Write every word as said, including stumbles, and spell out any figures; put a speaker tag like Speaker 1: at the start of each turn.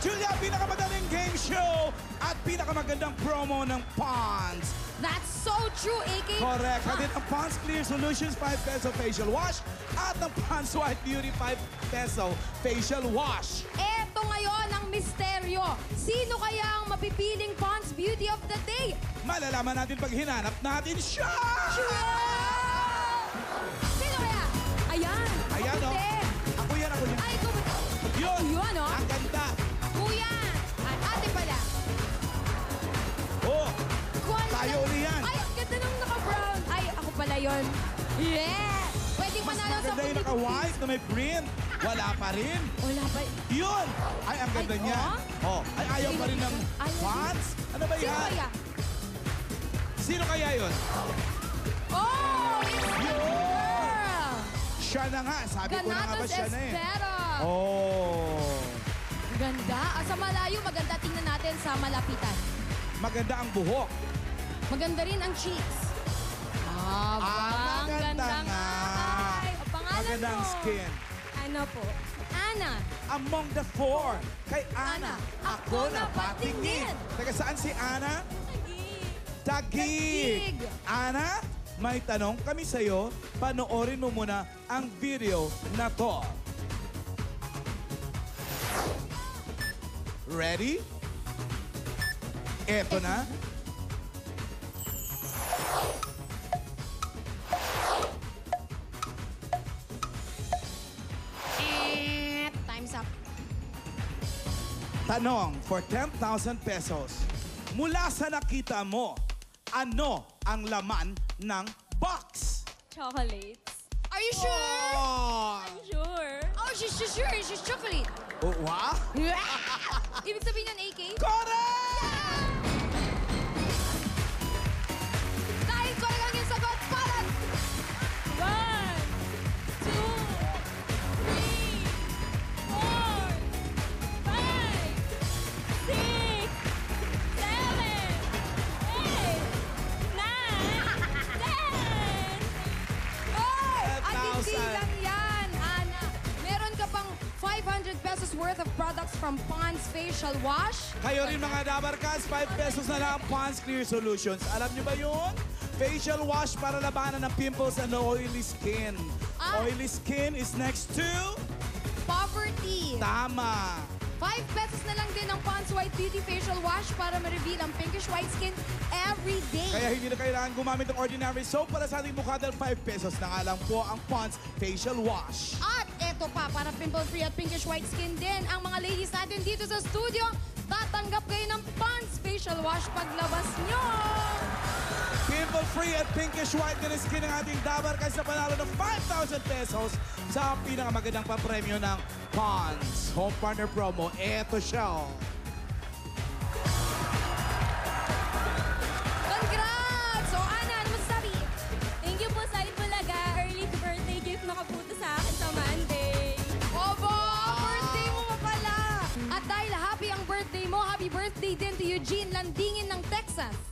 Speaker 1: Julia, pinakamadaling game show at pinakamagandang promo ng Pond's.
Speaker 2: That's so true, A K.
Speaker 1: Correct. Hatid ang Pond's Clear Solutions five peso facial wash at ang Pond's White Beauty five peso facial wash.
Speaker 2: Eto ngayon ang misteryo. Sino kaya ang mapipiling Pond's Beauty of the Day?
Speaker 1: Malalaman natin pag hinanap natin siya!
Speaker 2: Sino kaya? Ayan.
Speaker 1: Ayan,
Speaker 2: Ako
Speaker 1: oh.
Speaker 2: hindi.
Speaker 1: Ako yan, ako yan.
Speaker 2: Ay, ikaw ba?
Speaker 1: Yun!
Speaker 2: Yun, oh.
Speaker 1: Ang ganda!
Speaker 2: Kuya. At ate pala.
Speaker 1: Oh!
Speaker 2: Kuwan
Speaker 1: Tayo
Speaker 2: na-
Speaker 1: uli yan.
Speaker 2: Ay, ang ganda nung naka-brown. Ay, ako pala yun. Yeah! Pwedeng
Speaker 1: Mas
Speaker 2: manalo sa
Speaker 1: maganda yung naka-white na may print. Wala pa rin.
Speaker 2: Wala pa.
Speaker 1: Yun! Ay, ang ganda
Speaker 2: Ay,
Speaker 1: niya. Oh. Ay, ayaw pa rin ng
Speaker 2: Ayaw din.
Speaker 1: Pond's? Ano ba
Speaker 2: Sino
Speaker 1: yan?
Speaker 2: kaya?
Speaker 1: Sino kaya yun?
Speaker 2: Oh! It's the
Speaker 1: Yun!
Speaker 2: girl!
Speaker 1: Siya na nga. Sabi ko na nga ba
Speaker 2: Ganatos
Speaker 1: siya na eh.
Speaker 2: Espera.
Speaker 1: Oh.
Speaker 2: Ganda. Ah, sa malayo, maganda. Tingnan natin sa malapitan.
Speaker 1: Maganda ang buhok.
Speaker 2: Maganda rin ang cheeks. Ah,
Speaker 1: Ah,
Speaker 2: ang
Speaker 1: maganda
Speaker 2: ganda
Speaker 1: nga.
Speaker 2: Ay, ang pangalan
Speaker 1: Maganda ang
Speaker 2: mo.
Speaker 1: skin.
Speaker 2: Ano po? Ana.
Speaker 1: Among the four, kay Ana,
Speaker 2: Ana,
Speaker 1: ako
Speaker 2: ako
Speaker 1: na
Speaker 2: na
Speaker 1: patingin.
Speaker 2: patingin.
Speaker 1: Taga saan si Ana?
Speaker 2: Taguig.
Speaker 1: Taguig. Ana, may tanong kami sa'yo. Panoorin mo muna ang video na to. Ready? Eto na.
Speaker 2: Eh, time's up.
Speaker 1: Tanong for ten thousand pesos. Mula sa nakita mo, ano ang laman ng box?
Speaker 3: Chocolates.
Speaker 2: Are you sure?
Speaker 1: Oh,
Speaker 3: Sure.
Speaker 2: Oh, she's, she's sure. She's chocolate.
Speaker 1: oh wow?
Speaker 2: Ibig sabihin yun, A K?
Speaker 1: Correct!
Speaker 2: Dahil ko lang yung sagot para...
Speaker 3: One, two, three, four, five, six, seven, eight, nine, ten.
Speaker 2: Oh! At hindi
Speaker 1: ten thousand.
Speaker 2: lang yan, Ana. Meron ka pang five hundred pesos worth of products from Pond's Facial Wash.
Speaker 1: Kayo rin mga Dabarkas, five pesos na lang Pond's Clear Solutions. Alam niyo ba yun? Facial wash para labanan ng pimples and oily skin.
Speaker 2: Ah.
Speaker 1: Oily skin is next to...
Speaker 2: Poverty.
Speaker 1: Tama.
Speaker 2: five pesos na lang din ang Pond's White Beauty Facial Wash para ma-reveal ang pinkish white skin every day.
Speaker 1: Kaya hindi na kailangan gumamit ng ordinary soap para sa ating mukha dahil five pesos na nga lang po ang Pond's Facial Wash.
Speaker 2: At eto pa, para pimple-free at pinkish white skin din, ang mga ladies natin dito sa studio, tatanggap kayo ng Pond's Facial Wash paglabas nyo.
Speaker 1: Pimple-free at pinkish white din ang skin ng ating Dabarkas na panalo ng five thousand pesos sa pinakamagandang papremyo ng Pond's Home Partner Promo. Eto siya.
Speaker 2: Congrats! So, Ana, ano masasabi?
Speaker 3: Thank you po sa Itbulaga. Early birthday gift nakapunta sa akin sa Monday.
Speaker 2: Obo! Birthday mo pa pala! At dahil happy ang birthday mo, happy birthday din to Eugene Landingin ng Texas.